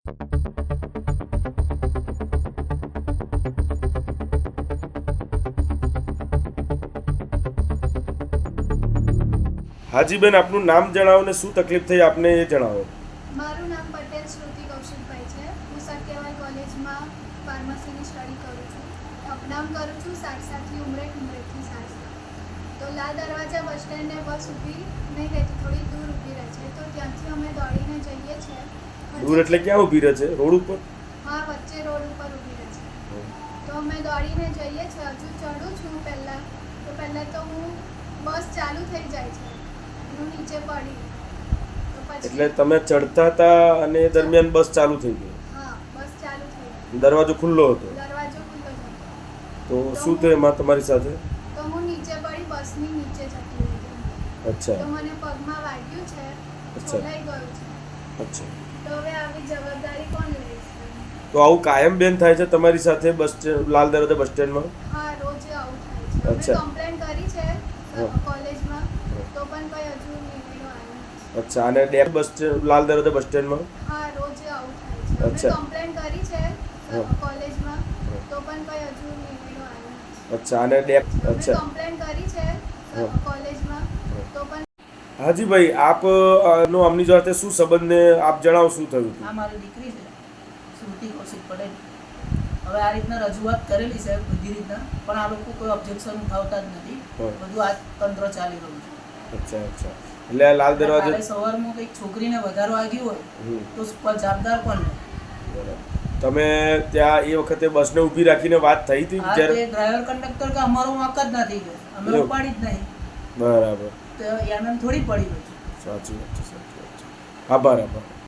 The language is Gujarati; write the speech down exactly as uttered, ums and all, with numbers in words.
હાજી બેન, આપનું નામ જણાવો ને શું તકલીફ થઈ આપને એ જણાવો. મારું નામ પટેલ શ્રુતિ કૌશિકભાઈ છે. હું સત્યવાલ કોલેજમાં ફાર્મસીની સ્ટડી કરું છું. અપડાઉન કરું છું સારસાથી ઉમરેઠ, ઉમરેઠથી સારસા. તો લાલ દરવાજા બસ સ્ટેન્ડને બસ ઊભી નહીં રહેતી, થોડી દૂર ઊભી રહે છે. તો ત્યાંથી અમે દોડીને જઈએ છીએ. દૂર એટલે ક્યાં ઊભી રહે છે? રોડ ઉપર? હા, વચ્ચે રોડ ઉપર ઊભી રહે છે. તો અમે દોડીને જઈએ છીએ. હજુ ચડું છું પહેલાં તો પહેલાં તો હું બસ ચાલુ થઈ જાય છે, હું નીચે પડી. તો પછી એટલે તમે ચડતા હતા અને એ દરમિયાન બસ ચાલુ થઈ ગઈ? હા, બસ ચાલુ થઈ ગઈ. દરવાજો ખુલ્લો હતો? દરવાજો ખુલ્લો જ હતો. તો શું થયું એમાં તમારી સાથે? તો હું નીચે પડી, બસની નીચે જતી હતી. અચ્છા તો મને પગમાં વાગ્યું છે, અચ્છા. છોલાઈ ગયું છે. અચ્છા. તો હવે આવી જવાબદારી કોણ લેશે? તો આવું કાયમ બેન થાય છે તમારી સાથે બસ સ્ટેન્ડ, લાલ દરવાજા બસ સ્ટેન્ડમાં? હા, રોજે આવું થાય છે. અમે અચ્છા. કમ્પ્લેન કરી છે હા. કોલેજમાં, તો પણ કોઈ હજુ નિર્ણય આવ્યો નથી. અચ્છા. અને ડેપ બસ સ્ટેન્ડ, લાલ દરવાજા બસ સ્ટેન્ડમાં? હા, રોજે આવું થાય છે. અમે અચ્છા. કમ્પ્લેન કરી છે હા. કોલેજમાં, તો પણ કોઈ હજુ નિર્ણય આવ્યો નથી. અચ્છા. અને ડેપ અમે અચ્છા. કમ્પ્લેન કરી છે હા. કોલેજમાં, તો પણ હાજી ભાઈ, આપ અ, નો આમની સાથે શું સંબંધ ને આપ જણાવો શું થયું હતું? આ મારી દીકરી છે, શ્રુતિ કૌશિક પટેલ. હવે આ રીતના રજૂઆત કરેલી છે બધી રીતના, પણ આ લોકો કોઈ ઓબ્જેક્શન ઉઠાવતા જ નથી. હા. બધું આ તંત્ર ચાલી રહ્યું છે. અચ્છા અચ્છા. એટલે આ લાલ કાલે દરવાજા સવારમાં કંઈક છોકરીને વધારો વાગ્યું હોય હમ. તો જવાબદાર કોણ લે? બરાબર. તમે ત્યાં એ વખતે બસને ઊભી રાખીને વાત થઈ હતી આ જ્યારે? તે ડ્રાઈવર કંડક્ટર કે અમારો વાંક જ નથી કે અમે એવું? ઉપાડી જ નહીં, બરાબર. તો એને થોડી પડી ગયું છે. સાચી વાત છે, સાચી વાત છે. આભાર આભાર.